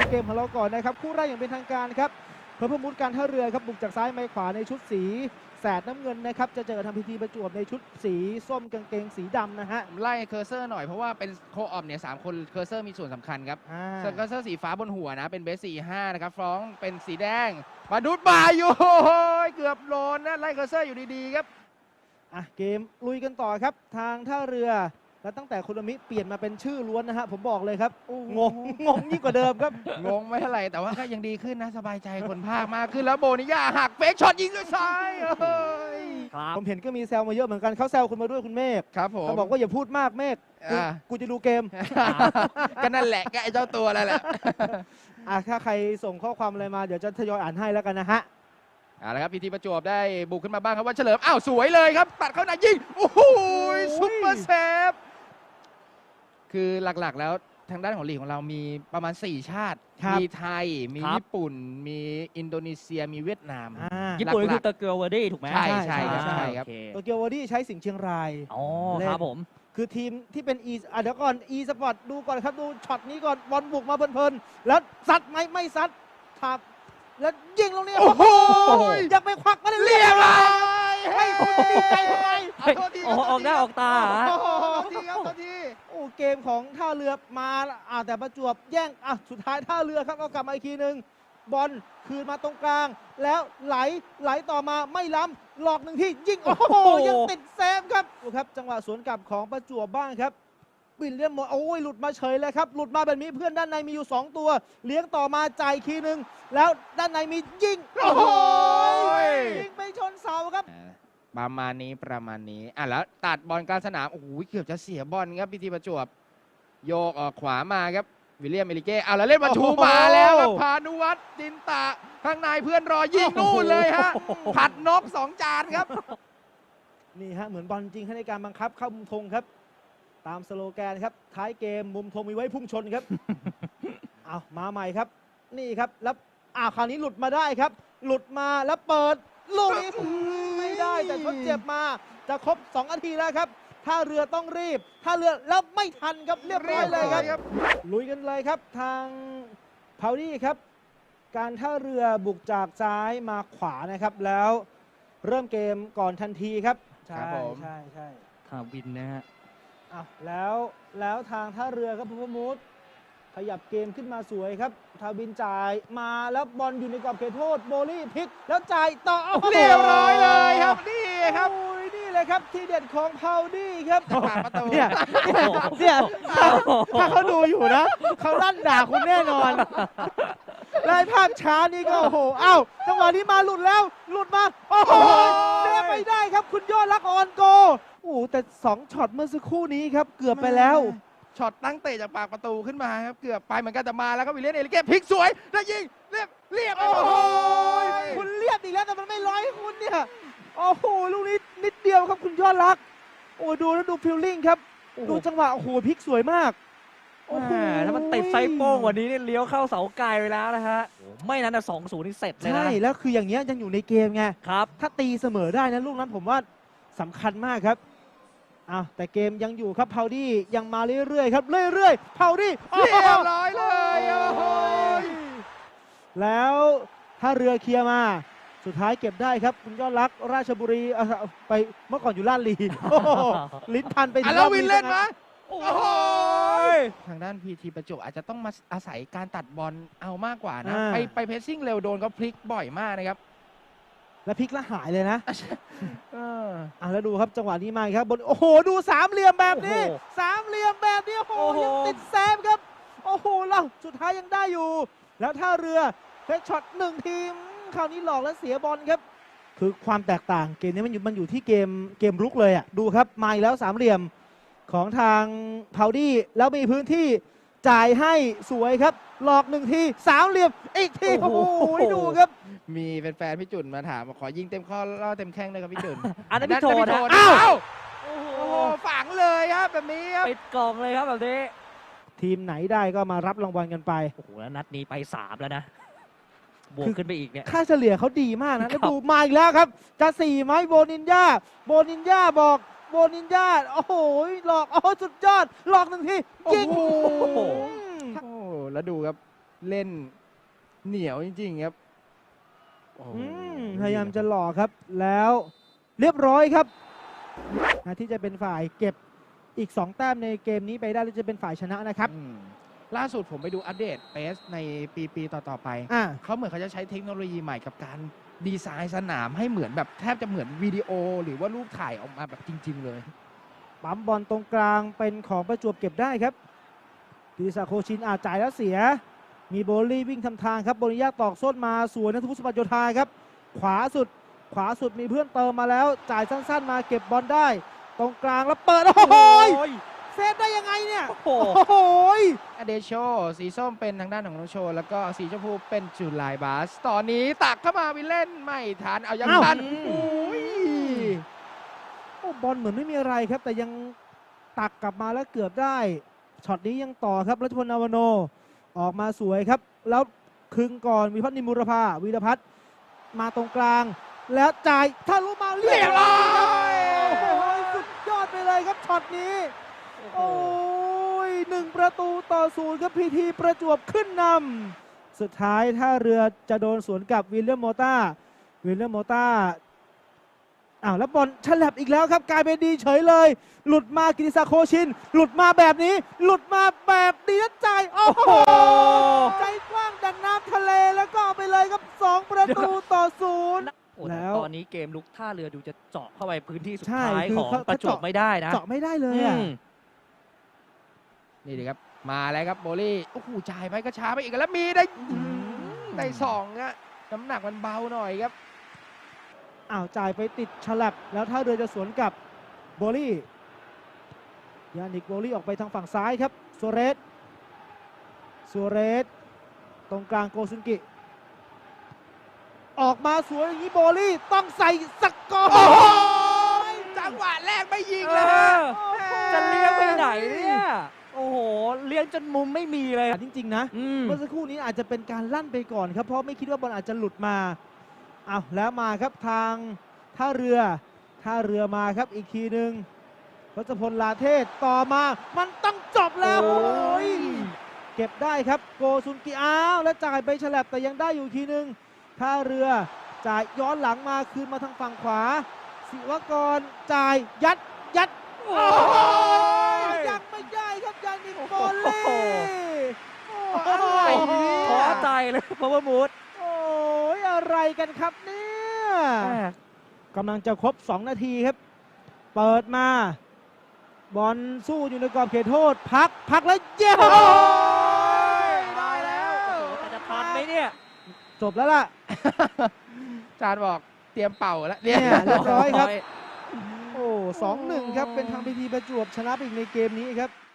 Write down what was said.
เกมของเราก่อนนะครับคู่แรกอย่างเป็นทางการครับเพิ่มมุดการท่าเรือครับบุกจากซ้ายไปขวาในชุดสีแสดน้ำเงินนะครับจะเจอทำพิธีประจวบในชุดสีส้มกางเกงสีดำนะฮะไล่เคอร์เซอร์หน่อยเพราะว่าเป็นโคออมเนี่ย3คนเคอร์เซอร์มีส่วนสำคัญครับส่วนเคอร์เซอร์สีฟ้าบนหัวนะเป็นเบส45นะครับฟรองเป็นสีแดงมาดูดบ่ายอยู่เกือบโดนนะไล่เคอร์เซอร์อยู่ดีๆครับเกมลุยกันต่อครับทางท่าเรือแล้วตั้งแต่คุณอมิเปลี่ยนมาเป็นชื่อล้วนนะฮะผมบอกเลยครับงงยิ่งกว่าเดิมครับงงไม่เท่าไหร่แต่ว่าก็ยังดีขึ้นนะสบายใจคนภาคมากขึ้นแล้วโบนิยาหักเฟกช็อตยิงด้วยซ้ายผมเห็นก็มีแซวมาเยอะเหมือนกันเขาแซวคุณมาด้วยคุณเมฆครับผมเขาบอกว่าอย่าพูดมากเมฆกูจะดูเกมก็นั่นแหละก็ไอ้เจ้าตัวนั่นแหละถ้าใครส่งข้อความอะไรมาเดี๋ยวจะทยอยอ่านให้แล้วกันนะฮะแล้วครับพีทีประจวบได้บุกขึ้นมาบ้างครับว่าเฉลิมสวยเลยครับตัดเข้าในยิงโอ้โหซุปเปอร์เซฟคือหลักๆแล้วทางด้านของลีกของเรามีประมาณ4ชาติมีไทยมีญี่ปุ่นมีอินโดนีเซียมีเวียดนามญี่ปุ่นคือโตเกียวเวอร์ดี้ถูกไหมใช่ครับโตเกียวเวอร์ดี้ใช้สิงห์เชียงรายครับผมคือทีมที่เป็นเดี๋ยวก่อนสปอร์ตดูก่อนครับดูช็อตนี้ก่อนบอลบุกมาเพลินๆแล้วซัดไม่ซัดทับแล้วยิงลงนี่โอ้โหอยากไปควักมาเรียบร้อยให้คุณดีใจทำไมออกหน้าออกตาทีเกมของท่าเรือมาแต่ประจวบแย่งสุดท้ายท่าเรือครับเอากลับมาอีกทีนึงบอลคืนมาตรงกลางแล้วไหลต่อมาไม่ล้ำหลอกหนึ่งที่ยิงโอ้โหยังติดเซฟครับดูครับจังหวะสวนกลับของประจวบบ้างครับวิลเลียมหลุดมาเฉยเลยครับหลุดมาแบบนี้เพื่อนด้านในมีอยู่2ตัวเลี้ยงต่อมาจ่ายคีนึงแล้วด้านในมียิงโอ้โหยิงไปชนเสาครับประมาณนี้แล้วตัดบอลกลางสนามโอ้โหเกือบจะเสียบอลครับพีทีประจวบโยกออกขวามาครับวิลเลียมเอลิเก้แล้วเล่นมาชูมาแล้วครับพานุวัฒน์จินตะข้างในเพื่อนรอยิงนู่นเลยฮะผัดนก2 จานครับนี่ฮะเหมือนบอลจริงในการบังคับเข้ามุมธงครับตามสโลแกนครับท้ายเกมมุมธงมีไว้พุ่งชนครับมาใหม่ครับนี่ครับแล้วคราวนี้หลุดมาได้ครับหลุดมาแล้วเปิดลูกนี้ไม่ได้แต่ทดเจ็บมาจะครบ2 นาทีแล้วครับท่าเรือต้องรีบท่าเรือแล้วไม่ทันครับเรียบร้อยเลยครับลุยกันเลยครับทางพาวดี้ครับการท่าเรือบุกจากซ้ายมาขวานะครับแล้วเริ่มเกมก่อนทันทีครับใช่ทาวินนะฮะแล้วทางท่าเรือครับพมูดขยับเกมขึ้นมาสวยครับทาวินจ่ายมาแล้วบอลอยู่ในกรอบเขตโทษโบลี่พลิกแล้วจ่ายต่อเรียบร้อยเลยครับนี่ครับนี่เลยครับที่เด็ดของพาวดี้ครับประตูเนี่ยถ้าเขาดูอยู่นะเขาลั่นด่าคุณแน่นอนไล่ภาพช้านี่ก็โอ้โหจังหวะนี้มาหลุดมาโอ้โหเซฟไม่ได้ครับคุณยอดรักออนโกแต่2ช็อตเมื่อสักครู่นี้ครับเกือบไปแล้วช็อตตั้งเตะจากปากประตูขึ้นมาครับเกือบไปเหมือนกันแต่มาแล้วครับวิลเลียมเอลิเก้พลิกสวยแล้วยิงเรียบโอ้โหคุณเรียบอีกแล้วแต่มันไม่ร้อยคุณเนี่ยโอ้โหลูกนี้นิดเดียวครับคุณยอดรักดูฟิลลิ่งครับดูจังหวะโอ้โหพลิกสวยมากถ้ามันติดไซโป้งวันนี้เนี่ยเลี้ยวเข้าเสาไกลไปแล้วนะฮะไม่นั้นนะ2-0นี่เสร็จเลยนะใช่แล้วคืออย่างเงี้ยยังอยู่ในเกมไงครับถ้าตีเสมอได้นะลูกนั้นผมว่าสำคัญมากครับแต่เกมยังอยู่ครับพาวดี้ยังมาเรื่อยๆครับเรื่อยๆพาวดี้เรียบร้อยเลยแล้วถ้าเรือเคลียร์มาสุดท้ายเก็บได้ครับคุณยอดรักราชบุรีไปเมื่อก่อนอยู่ลาดลีลิ้นพันไปถึงแล้ววินเล่นไหมทางด้านพีทีประจวบอาจจะต้องมาอาศัยการตัดบอลเอามากกว่านะไปเพสซิ่งเร็วโดนเขาพลิกบ่อยมากนะครับแล้วพลิกแล้วหายเลยนะแล้วดูครับจังหวะนี้มาครับบนโอ้โหดู3 เหลี่ยมแบบนี้โอ้โหยังติดแซมครับโอ้โหแล้วสุดท้ายยังได้อยู่แล้วท่าเรือเฟกช็อต1 ทีมคราวนี้หลอกแล้วเสียบอลครับคือความแตกต่างเกมนี้มันอยู่ที่เกมรุกเลยดูครับมาอีกแล้ว3 เหลี่ยมของทางพาวดี้แล้วมีพื้นที่จ่ายให้สวยครับหลอก1 ที3 เหลี่ยมอีกทีโอ้โหดูครับมีแฟนๆพี่จุนมาถามขอยิงเต็มข้อล่อเต็มแข้งเลยครับพี่จุนอันนั้นพี่โทนโอ้โหฝังเลยครับแบบนี้ครับปิดกล่องเลยครับแบบนี้ทีมไหนได้ก็มารับรางวัลกันไปโอ้โหแล้วนัดนี้ไป3แล้วนะบวกขึ้นไปอีกเนี่ยค่าเฉลี่ยเขาดีมากนะแล้วดูมาอีกแล้วครับจะ4ไหมโบนินญาบอกโบนินญาโอ้โหหลอกสุดยอดหลอก1 ทียิงแล้วดูครับเล่นเหนียวจริงๆครับโอ้โหพยายามจะหลอกครับ แล้วเรียบร้อยครับที่จะเป็นฝ่ายเก็บอีก 2 แต้มในเกมนี้ไปได้แล้วจะเป็นฝ่ายชนะนะครับล่าสุดผมไปดูอัปเดตเปสในปีต่อๆไปอ่าเขาเหมือนเขาจะใช้เทคโนโลยีใหม่กับการดีไซน์สนามให้เหมือนแบบแทบจะเหมือนวิดีโอหรือว่ารูปถ่ายออกมาแบบจริง ๆ เลยปั๊มบอลตรงกลางเป็นของประจวบเก็บได้ครับกิติศักดิ์โคชินจ่ายแล้วเสีย มีโบลี่วิ่งทำทางครับโบริยาตอกส้นมาสวนนัทวุฒิสมบัติโยธาครับ ขวาสุดมีเพื่อนเติมมาแล้ว จ่ายสั้นๆมาเก็บบอลได้ ตรงกลางแล้วเปิดโอ้โหเซฟได้ยังไงเนี่ยโอ้โหโอ้โหอเดโชสีส้มเป็นทางด้านของน้องโชว์แล้วก็สีชมพูเป็นจูไลบาส ตอนนี้ตักเข้ามาวินเล่นไม่ทันเอายังอ้าวทันอืมโอ้ยโอ้บอลเหมือนไม่มีอะไรครับ แต่ยังตักกลับมาแล้วเกือบได้ช็อตนี้ยังต่อครับรัชพลนาวโนออกมาสวยครับ แล้วคึงก่อนวิพัฒน์นิมุรภาวีรพัฒน์มาตรงกลาง แล้วจ่ายทะลุมาเรียบร้อยโอ้โหสุดยอดไปเลยครับช็อตนี้ โอ้ย1-0ครับพีทีประจวบขึ้นนำสุดท้ายถ้าเรือจะโดนสวนกับวิลเลียมโมต้าแล้วบอลฉลับอีกแล้วครับกลายเป็นดีเฉยเลย หลุดมากิติศักดิ์โคชิน หลุดมาแบบนี้ หลุดมาแบบดีนะใจายโอ้โหใจกว้างดังน้ำทะเลแล้วก็เอาไปเลยครับ2-0 โอ้แต่แล้วตอนนี้เกมลุกท่าเรือดูจะเจาะเข้าไปพื้นที่สุดใช่ท้ายคือของเขาประจวบไม่ได้นะเจาะไม่ได้เลยอือ่ะมนี่ดีครับมาแล้วครับโบลี่โอ้โหจ่ายไปก็ช้าไปอีกแล้วมีได้ได้สองอะน้ำหนักมันเบาหน่อยครับจ่ายไปติดฉลับแล้วถ้าเรือจะสวนกับโบลี่ยานิกโบลี่ออกไปทางฝั่งซ้ายครับซัวเรสตรงกลางโกซุนกิ ออกมาสวยอย่างนี้โบลี่ต้องใส่สกอร์โอ้โหจังหวะแรกไม่ยิงเลยฮะจะเลี้ยงไปไหนเนี่ย โอ้โห เลี้ยงจนมุมไม่มีเลยจริงๆนะอืมเมื่อสักครู่นี้อาจจะเป็นการลั่นไปก่อนครับ เพราะไม่คิดว่าบอลอาจจะหลุดมาแล้วมาครับทางท่าเรือมาครับอีกทีหนึ่งรัชพลลาเทศต่อมามันต้องจบแล้วโอ้โอ้ยยเก็บได้ครับโกซุนกิแล้วจ่ายไปฉลับแต่ยังได้อยู่อีกทีหนึ่งท่าเรือจ่ายย้อนหลังมาคืนมาทางฝั่งขวาศิวกรจ่ายยัดโอ้ยยังไม่ได้ครับยานิกโบโอ้เล่โหอะไรเนี่ยท้อใจเลยเพราะว่ามูดโอ้ยอะไรกันครับเนี่ยกำลังจะครบ 2 นาทีครับ เปิดมา บอลสู้อยู่ในกรอบเขตโทษ พักแล้วเย้ได้แล้วโอ้โหแต่จะทันไหมเนี่ยจบแล้วล่ะจานบอกเตรียมเป่าแล้วเนี่ย เรียบร้อยครับโโอ้ 2-1 ครับ เป็นทางพีทีประจวบชนะไปอีกในเกมนี้ครับ